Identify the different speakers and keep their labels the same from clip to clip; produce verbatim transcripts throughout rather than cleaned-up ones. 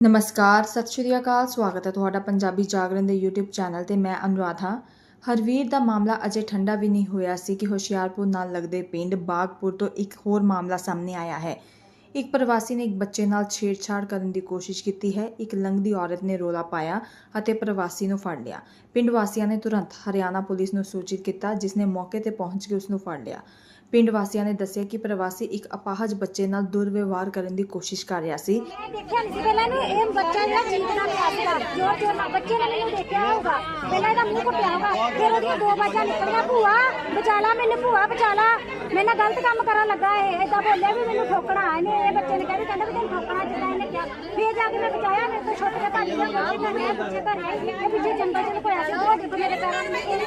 Speaker 1: ਨਮਸਕਾਰ, ਸਤਿ ਸ਼੍ਰੀ ਅਕਾਲ। ਸਵਾਗਤ ਹੈ ਤੁਹਾਡਾ ਪੰਜਾਬੀ ਜਾਗਰਣ ਦੇ YouTube ਚੈਨਲ ਤੇ। ਮੈਂ ਅਨੁਰਾਧ ਹਾਂ। ਹਰਵੀਰ ਦਾ ਮਾਮਲਾ ਅਜੇ ਠੰਡਾ ਵੀ ਨਹੀਂ ਹੋਇਆ ਸੀ ਕਿ ਹੁਸ਼ਿਆਰਪੁਰ ਨਾਲ ਲੱਗਦੇ ਪਿੰਡ ਬਾਗਪੁਰ ਤੋਂ ਇੱਕ ਹੋਰ ਮਾਮਲਾ ਸਾਹਮਣੇ ਆਇਆ ਹੈ। ਇੱਕ ਪ੍ਰਵਾਸੀ ਨੇ ਇੱਕ ਬੱਚੇ ਨਾਲ ਛੇੜਛਾੜ ਕਰਨ ਦੀ ਕੋਸ਼ਿਸ਼ ਕੀਤੀ ਹੈ। ਇੱਕ ਲੰਘਦੀ ਔਰਤ ਨੇ ਰੌਲਾ ਪਾਇਆ ਅਤੇ ਪ੍ਰਵਾਸੀ ਨੂੰ ਫੜ ਲਿਆ। ਪਿੰਡ ਵਾਸੀਆਂ ਨੇ ਤੁਰੰਤ ਹਰਿਆਣਾ ਪੁਲਿਸ ਨੂੰ ਸੂਚਿਤ ਕੀਤਾ, ਜਿਸ ਨੇ ਮੌਕੇ ਤੇ ਪਹੁੰਚ ਕੇ ਉਸ ਨੂੰ ਫੜ ਲਿਆ। ਪਿੰਡ ਵਾਸੀਆਂ ਨੇ ਦੱਸਿਆ ਕਿ ਪ੍ਰਵਾਸੀ ਇੱਕ ਅਪਾਹਜ ਬੱਚੇ ਨਾਲ ਦੁਰਵਿਵਹਾਰ ਕਰਨ ਦੀ ਕੋਸ਼ਿਸ਼ ਕਰ ਰਿਹਾ ਸੀ।
Speaker 2: ਦੇਖਿਆ ਨਹੀਂ ਸੀ ਪਹਿਲਾਂ ਨੂੰ ਇਹ ਬੱਚਾ ਜਿਹੜਾ ਚੀਕਦਾ ਪਿਆ ਸੀਗਾ ਜੋਰ ਜੋਰ ਨਾਲ ਬੱਚੇ ਨੇ ਮੈਨੂੰ ਦੇਖਿਆ ਹੋਊਗਾ। ਪਹਿਲਾਂ ਇਹਦਾ ਮੂੰਹ ਘੁੱਟਿਆ ਹੋਊਗਾ, ਫਿਰ ਉਹਦੀਆਂ ਦੋ ਬਾਜਾਂ ਨਿਕਲੀਆਂ, ਭੂਆ ਬਚਾ ਲਾ ਮੈਨੂੰ, ਭੂਆ ਬਚਾ ਲਾ, ਮੇਰੇ ਨਾਲ ਗਲਤ ਕੰਮ ਕਰਨ ਲੱਗਾ। ਇਹ ਏਦਾਂ ਬੋਲਿਆ ਵੀ ਮੈਨੂੰ ਠੋਕਣਾ। ਇਹਨੇ ਇਹ ਬੱਚੇ ਨੇ ਕਹਿੰਦੇ ਕਹਿੰਦਾ ਵੀ ਤੈਨੂੰ ਠੋਕਣਾ, ਜਿੱਦਾਂ ਇਹਨੇ ਕਿਹਾ। ਫਿਰ ਜਾ ਕੇ ਮੈਂ ਬਚਾਇਆ, ਮੇਰੇ ਤੋਂ ਛੁੱਟ ਕੇ ਭੱਜ ਗਿਆ। ਬੱਚੇ ਘਰ ਆਏ, ਬੱਚੇ ਘਰ ਆਏ, ਇਹ ਪਿੱਛੇ ਜੰਗਲ ਚ ਲੁਕਾਇਆ ਸੀ। ਉਹ ਜਦੋਂ ਮੇਰੇ ਪੈਰਾਂ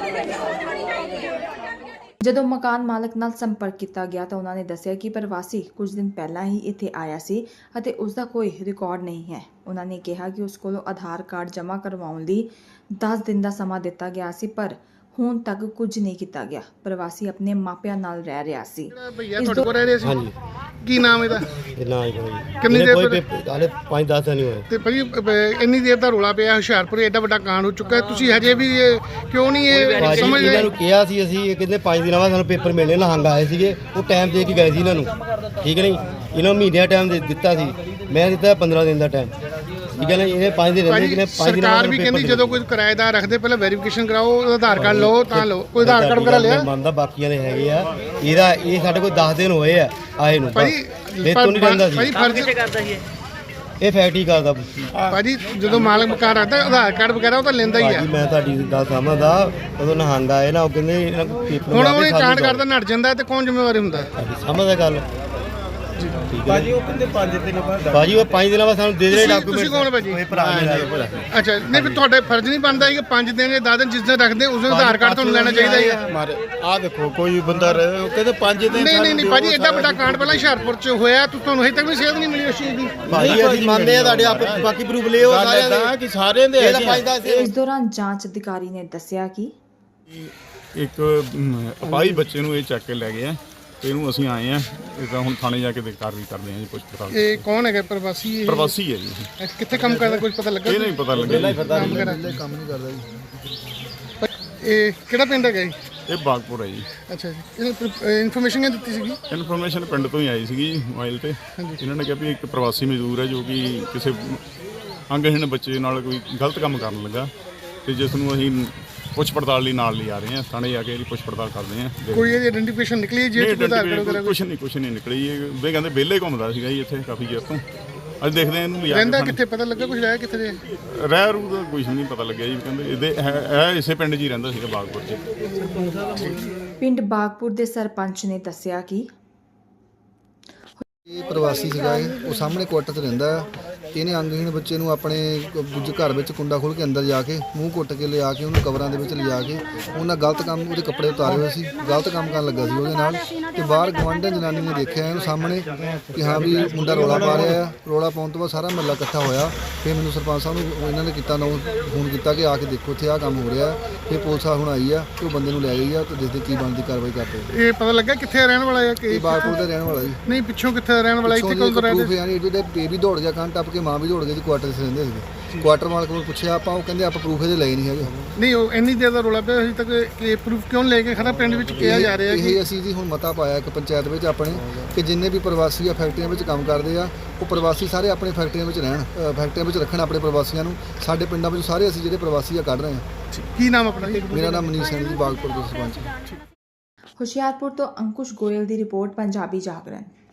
Speaker 2: ਨੂੰ
Speaker 1: ਜਦੋਂ ਮਕਾਨ ਮਾਲਕ ਨਾਲ ਸੰਪਰਕ ਕੀਤਾ ਗਿਆ ਤਾਂ ਉਹਨਾਂ ਨੇ ਦੱਸਿਆ ਕਿ ਪ੍ਰਵਾਸੀ ਕੁਝ ਦਿਨ ਪਹਿਲਾਂ ਹੀ ਇੱਥੇ ਆਇਆ ਸੀ ਅਤੇ ਉਸ ਦਾ ਕੋਈ ਰਿਕਾਰਡ ਨਹੀਂ ਹੈ। ਉਹਨਾਂ ਨੇ ਕਿਹਾ ਕਿ ਉਸ ਕੋਲੋਂ ਆਧਾਰ ਕਾਰਡ ਜਮ੍ਹਾਂ ਕਰਵਾਉਣ ਲਈ ਦਸ ਦਿਨ ਦਾ ਸਮਾਂ ਦਿੱਤਾ ਗਿਆ ਸੀ, ਪਰ ਹੁਣ ਤੱਕ ਕੁਝ ਨਹੀਂ ਕੀਤਾ ਗਿਆ। ਪ੍ਰਵਾਸੀ ਆਪਣੇ ਮਾਪਿਆਂ ਨਾਲ ਰਹਿ ਰਿਹਾ ਸੀ।
Speaker 3: ਭਈਆ ਤੁਹਾਡੇ ਕੋਲ ਰਹਿ ਰਹੇ ਸੀ? ਹਾਂਜੀ। ਕੀ ਨਾਮ ਇਹਦਾ?
Speaker 4: ਨਾ ਹੀ ਭਾਈ
Speaker 3: ਕਿੰਨੀ ਦੇਰ ਤੋਂ?
Speaker 4: ਹਾਲੇ ਪੰਜ ਦਸ ਦਿਨ ਹੀ ਹੋਏ।
Speaker 3: ਤੇ ਭਾਈ ਇੰਨੀ ਦੇਰ ਦਾ ਰੋਲਾ ਪਿਆ ਹੁਸ਼ਿਆਰਪੁਰ, ਐਡਾ ਵੱਡਾ ਕਾਂਡ ਹੋ ਚੁੱਕਾ ਹੈ, ਤੁਸੀਂ ਹਜੇ ਵੀ ਇਹ ਕਿਉਂ ਨਹੀਂ ਇਹ ਸਮਝ
Speaker 4: ਇਹਨਾਂ
Speaker 3: ਰਹੇ?
Speaker 4: ਨੂੰ ਕਿਹਾ ਸੀ ਅਸੀਂ, ਇਹ ਕਹਿੰਦੇ ਪੰਜ ਦਿਨਾਂ ਬਾਅਦ ਸਾਨੂੰ ਪੇਪਰ ਮਿਲਣੇ। ਨਹੰਗ ਆਏ ਸੀਗੇ, ਉਹ ਟਾਈਮ ਦੇ ਕੇ ਗਏ ਸੀ ਇਹਨਾਂ ਨੂੰ, ਠੀਕ ਨਹੀਂ? ਇਹਨਾਂ ਨੂੰ ਮਹੀਨੇ ਦਾ ਟਾਈਮ ਦੇ ਦਿੱਤਾ ਸੀ, ਮੈਂ ਦਿੱਤਾ ਪੰਦਰਾਂ ਦਿਨ ਦਾ ਟਾਈਮ, ਠੀਕ ਹੈ ਨਾ? ਇਹ ਪੰਜ ਦਿਨ ਰਹਿੰਦੇ ਕਿ ਪੰਜ ਦਿਨਾਂ
Speaker 3: ਸਰਕਾਰ ਵੀ ਕਹਿੰਦੀ ਜਦੋਂ ਕੋਈ ਕਿਰਾਏਦਾਰ ਰੱਖਦੇ ਪਹਿਲਾਂ ਵੈਰੀਫਿਕੇਸ਼ਨ ਕਰਾਓ, ਆਧਾਰ ਕਾਰਡ ਲਓ ਤਾਂ ਲਓ। ਕੋਈ ਆਧਾਰ ਕਾਰਡ ਵਗੈਰਾ ਲਿਆ?
Speaker 4: ਮੰਨਦਾ ਬਾਕੀਆਂ ਦੇ ਹੈਗੇ ਆ। ਇਹਦਾ ਇਹ ਸਾਡੇ ਕੋਲ ਦਸ ਦਿਨ ਹੋਏ ਆ ਆਏ ਨੂੰ।
Speaker 3: ਭਾਈ
Speaker 4: ਇਹ ਤੋਂ ਨਹੀਂ ਰਹਿੰਦਾ ਸੀ।
Speaker 3: ਭਾਈ ਫਰਜ਼
Speaker 5: ਕਰਦਾ ਸੀ
Speaker 4: ਇਹ ਫੈਕਟਰੀ ਕਰਦਾ।
Speaker 3: ਭਾਜੀ ਜਦੋਂ ਮਾਲਕ ਮਕਾਨ ਰੱਖਦਾ ਆਧਾਰ ਕਾਰਡ ਵਗੈਰਾ ਉਹ ਤਾਂ ਲੈਂਦਾ ਹੀ ਆ।
Speaker 4: ਮੈਂ ਤੁਹਾਡੀ ਗੱਲ ਸਮਝਦਾ। ਉਦੋਂ ਨਹੰਗ ਆਏ ਨਾ, ਉਹ ਕਹਿੰਦੇ ਇਹਨਾਂ ਕੋਲ ਪੇਪਰ
Speaker 3: ਹੁਣ ਉਹਨੇ ਕਾਂਡ ਕਰਦਾ ਨੱਟ ਜਾਂਦਾ ਤੇ ਕੌਣ ਜ਼ਿੰਮੇਵਾਰੀ ਹੁੰਦਾ?
Speaker 4: ਸਮਝਦਾ ਗੱਲ।
Speaker 5: ਭਾਜੀ ਉਹ ਕਹਿੰਦੇ ਪੰਜ ਦਿਨ ਬਾਅਦ
Speaker 4: ਭਾਜੀ ਉਹ ਪੰਜ ਦਿਨਾਂ ਬਾਅਦ ਸਾਨੂੰ ਦੇ ਦੇ ਡਾਕੂਮੈਂਟ।
Speaker 3: ਤੁਸੀਂ ਕੌਣ ਭਾਜੀ?
Speaker 4: ਇਹ ਭਰਾ ਮੇਰਾ।
Speaker 3: ਅੱਛਾ, ਨਹੀਂ ਫਿਰ ਤੁਹਾਡੇ ਫਰਜ਼ ਨਹੀਂ ਬਣਦਾ ਕਿ ਪੰਜ ਦਿਨ ਜਾਂ ਦਸ ਦਿਨ ਜਿਸ ਦਿਨ ਰੱਖਦੇ ਉਸ ਦਿਨ ਆਧਾਰ ਕਾਰਡ ਤੁਹਾਨੂੰ ਲੈਣਾ ਚਾਹੀਦਾ ਹੈ?
Speaker 6: ਮਾਰੇ ਆ ਦੇਖੋ ਕੋਈ ਬੰਦਾ ਰਹੇ, ਉਹ ਕਹਿੰਦੇ ਪੰਜ ਦਿਨ।
Speaker 3: ਨਹੀਂ ਨਹੀਂ ਨਹੀਂ ਭਾਜੀ, ਐਡਾ ਵੱਡਾ ਕਾਂਡ ਪਹਿਲਾਂ ਹੁਸ਼ਿਆਰਪੁਰ ਚ ਹੋਇਆ, ਤੁਹਾਨੂੰ ਹਜੇ ਤੱਕ ਵੀ ਸੇਧ ਨਹੀਂ ਮਿਲੀ ਉਸ ਚੀਜ਼ ਦੀ?
Speaker 4: ਭਾਜੀ ਅਸੀਂ ਮੰਨਦੇ ਆ ਤੁਹਾਡੇ ਆਪ ਬਾਕੀ ਪ੍ਰੂਫ ਲਿਓ ਸਾਰਿਆਂ ਦੇ
Speaker 6: ਕਿ ਸਾਰਿਆਂ ਦੇ
Speaker 1: ਇਸ ਦੌਰਾਨ ਜਾਂਚ ਅਧਿਕਾਰੀ ਨੇ ਦੱਸਿਆ ਕਿ
Speaker 6: ਇੱਕ ਅਪਾਹਜ ਬੱਚੇ ਨੂੰ ਇਹ ਚੱਕ ਕੇ ਲੈ ਗਏ ਆ ਤੇ ਇਹਨੂੰ ਅਸੀਂ ਆਏ ਆ। ਇਹ ਤਾਂ ਹੁਣ ਥਾਣੇ ਜਾ ਕੇ ਕਾਰਵਾਈ ਕਰਦੇ ਆ ਜੀ, ਪੁੱਛ ਪੜਤਾਲ।
Speaker 3: ਇਹ ਕੌਣ ਹੈਗਾ ਪ੍ਰਵਾਸੀ? ਇਹ
Speaker 6: ਪ੍ਰਵਾਸੀ ਹੈ ਜੀ।
Speaker 3: ਇਹ ਕਿੱਥੇ ਕੰਮ ਕਰਦਾ, ਕੁਝ ਪਤਾ ਲੱਗਾ?
Speaker 6: ਇਹ ਨਹੀਂ ਪਤਾ ਲੱਗਿਆ ਜੀ।
Speaker 3: ਕੰਮ ਵਗੈਰਾ
Speaker 4: ਕੰਮ ਨਹੀਂ ਕਰਦਾ ਜੀ।
Speaker 3: ਇਹ ਕਿਹੜਾ ਪਿੰਡ ਹੈਗਾ ਜੀ?
Speaker 6: ਇਹ ਬਾਗਪੁਰ ਹੈ ਜੀ।
Speaker 3: ਅੱਛਾ ਜੀ, ਇਹਨੂੰ ਇਨਫੋਰਮੇਸ਼ਨ ਕਿਹਨੇ ਦਿੱਤੀ ਸੀਗੀ?
Speaker 6: ਇਨਫੋਰਮੇਸ਼ਨ ਪਿੰਡ ਤੋਂ ਹੀ ਆਈ ਸੀਗੀ ਜੀ, ਮੋਬਾਈਲ ਤੇ। ਇਹਨਾਂ ਨੇ ਕਿਹਾ ਵੀ ਇੱਕ ਪ੍ਰਵਾਸੀ ਮਜ਼ਦੂਰ ਹੈ ਜੋ ਕਿ ਕਿਸੇ ਅੰਗਹੀਣ ਬੱਚੇ ਨਾਲ ਕੋਈ ਗਲਤ ਕੰਮ ਕਰਨ ਲੱਗਾ ਤੇ ਜਿਸ ਨੂੰ ਅਸੀਂ ਪੁੱਛ ਪੜਤਾਲ ਲਈ ਨਾਲ ਲਿਆ ਰਹੇ ਹਾਂ। ਥਾਣੇ ਜਾ ਕੇ ਇਹਦੀ ਪੁੱਛ ਪੜਤਾਲ ਕਰਦੇ ਹਾਂ।
Speaker 3: ਕੋਈ ਇਹਦੀ ਆਇਡੈਂਟੀਫਿਕੇਸ਼ਨ ਨਿਕਲੀ ਜੇ ਆਧਾਰ ਕਾਰਡ ਵਗੈਰਾ?
Speaker 6: ਕੁਛ ਨਹੀਂ ਕੁਛ ਨਹੀਂ ਨਿਕਲੀ। ਇਹ ਵੇ ਕਹਿੰਦੇ ਵਿਹਲੇ ਘੁੰਮਦਾ ਸੀਗਾ ਜੀ ਇੱਥੇ ਕਾਫੀ ਚਿਰ ਤੋਂ। ਅੱਜ ਦੇਖਦੇ ਹਾਂ ਇਹਨੂੰ ਲਿਆ ਕੇ।
Speaker 3: ਰਹਿੰਦਾ ਕਿੱਥੇ ਪਤਾ ਲੱਗਾ ਕੁਝ? ਰਹਿ ਕਿੱਥੇ ਰਿਹਾ?
Speaker 6: ਰਹਿ ਰੂ ਦਾ ਕੁਛ ਨਹੀਂ ਪਤਾ ਲੱਗਿਆ ਜੀ। ਕਹਿੰਦੇ ਇਹਦੇ ਇਹ ਇਸੇ ਪਿੰਡ 'ਚ ਹੀ ਰਹਿੰਦਾ ਸੀਗਾ, ਬਾਗਪੁਰ 'ਚ।
Speaker 1: ਪਿੰਡ ਬਾਗਪੁਰ ਦੇ ਸਰਪੰਚ ਨੇ ਦੱਸਿਆ ਕਿ
Speaker 7: ਇਹ ਪ੍ਰਵਾਸੀ ਸੀਗਾ, ਇਹ ਉਹ ਸਾਹਮਣੇ ਕੁਆਟਰ 'ਚ ਰਹਿੰਦਾ ਆ। ਇਹਨੇ ਅੰਗਹੀਣ ਬੱਚੇ ਨੂੰ ਆਪਣੇ ਦੂਜੇ ਘਰ ਵਿੱਚ ਕੁੰਡਾ ਖੋਲ੍ਹ ਕੇ ਅੰਦਰ ਜਾ ਕੇ ਮੂੰਹ ਕੁੱਟ ਕੇ ਲਿਆ ਕੇ ਉਹਨੂੰ ਕਵਰਾਂ ਦੇ ਵਿੱਚ ਲਿਜਾ ਕੇ ਉਹਨਾਂ ਗਲਤ ਕੰਮ, ਉਹਦੇ ਕੱਪੜੇ ਉਤਾਰੇ ਹੋਏ ਸੀ, ਗਲਤ ਕੰਮ ਕਰਨ ਲੱਗਾ ਸੀ ਉਹਦੇ ਨਾਲ। ਤੇ ਬਾਹਰ ਗੁਆਂਢਣ ਜਨਾਨੀ ਨੇ ਦੇਖਿਆ ਇਹਨੂੰ ਸਾਹਮਣੇ ਕਿ ਹਾਂ ਵੀ ਮੁੰਡਾ ਰੌਲਾ ਪਾ ਰਿਹਾ ਆ। ਰੌਲਾ ਪਾਉਣ ਤੋਂ ਬਾਅਦ ਸਾਰਾ ਮਹੱਲਾ ਇਕੱਠਾ ਹੋਇਆ। ਫਿਰ ਮੈਨੂੰ ਸਰਪੰਚ ਸਾਹਿਬ ਨੂੰ ਇਹਨਾਂ ਨੇ ਕੀਤਾ ਨਾ ਫੋਨ ਕੀਤਾ ਕਿ ਆ ਕੇ ਦੇਖੋ ਇੱਥੇ ਆਹ ਕੰਮ ਹੋ ਰਿਹਾ। ਫਿਰ ਪੁਲਿਸ ਹੁਣ ਆਈ ਆ ਤੇ ਉਹ ਬੰਦੇ ਨੂੰ ਲੈ ਗਈ ਆ ਤੇ ਦੇਖਦੇ ਕੀ ਬਣਦੀ ਕਾਰਵਾਈ ਕਰਦੇ।
Speaker 3: ਇਹ ਪਤਾ ਲੱਗਾ ਕਿੱਥੇ ਰਹਿਣ ਵਾਲਾ ਹੈ? ਕਿ
Speaker 7: ਇਹ ਬਾਗਪੁਰ ਦਾ ਰਹਿਣ ਵਾਲਾ ਜੀ।
Speaker 3: ਨਹੀਂ, ਪਿੱਛੋਂ ਕਿੱਥੇ ਰਹਿਣ ਵਾਲਾ? ਇੱਥੇ ਕੋਲ ਰਹਿੰਦਾ?
Speaker 7: ਯਾਨੀ ਇਹਦੇ ਬੇਬੀ ਦੌੜ ਗਿਆ, ਕੰਨ ਟੱਪ ਕੇ ਮਾਂ ਵੀ ਦੌੜ ਗਈ ਜੀ। ਕੁਆਟਰ 'ਚ ਰਹਿੰਦੇ ਸੀਗੇ। ਕੁਆਟਰ ਮਾਲਕ ਨੂੰ ਪੁੱਛਿਆ ਆਪਾਂ, ਉਹ ਕਹਿੰਦੇ ਆਪਾਂ ਪ੍ਰੂਫ ਇਹਦੇ ਲਏ ਨਹੀਂ ਹੈਗੇ।
Speaker 3: ਨਹੀਂ, ਉਹ ਇੰਨੀ ਦੇਰ ਦਾ ਰੌਲਾ ਪਿਆ ਅਜੇ ਤੱਕ ਕਿ ਪ੍ਰੂਫ ਕਿਉਂ ਲੈ ਕੇ ਖੜਾ ਪਿੰਡ ਵਿੱਚ ਕਿਹਾ ਜਾ ਰਿਹਾ ਕਿ
Speaker 7: ਇਹ ਅਸੀਂ ਜੀ ਹੁਣ ਮਤਾ ਪਾਇਆ ਇੱਕ ਪੰਚਾਇਤ ਵਿੱਚ ਆਪਣੇ ਕਿ ਜਿੰਨੇ ਵੀ ਪ੍ਰਵਾਸੀ ਆ ਫੈਕਟਰੀਆਂ ਵਿੱਚ ਕੰਮ ਕਰਦੇ ਆ, ਉਹ ਪ੍ਰਵਾਸੀ ਸਾਰੇ ਆਪਣੇ ਫੈਕਟਰੀਆਂ ਵਿੱਚ ਰਹਿਣ, ਫੈਕਟਰੀਆਂ ਵਿੱਚ ਰੱਖਣ ਆਪਣੇ ਪ੍ਰਵਾਸੀਆਂ ਨੂੰ। ਸਾਡੇ ਪਿੰਡਾਂ ਵਿੱਚ ਸਾਰੇ ਅਸੀਂ ਜਿਹੜੇ ਪ੍ਰਵਾਸੀ ਆ ਕੱਢ ਰਹੇ ਹਾਂ।
Speaker 3: ਕੀ ਨਾਮ ਆਪਣਾ?
Speaker 7: ਮੇਰਾ ਨਾਮ ਮਨੀਸ਼ ਸਿੰਘ ਜੀ, ਬਾਗਪੁਰ ਦੇ ਸਰਪੰਚ।
Speaker 1: ਹੁਸ਼ਿਆਰਪੁਰ ਤੋਂ ਅੰਕੁਸ਼ ਗੋਇਲ ਦੀ ਰਿਪੋਰਟ, ਪੰਜਾਬੀ ਜਾਗਰਣ।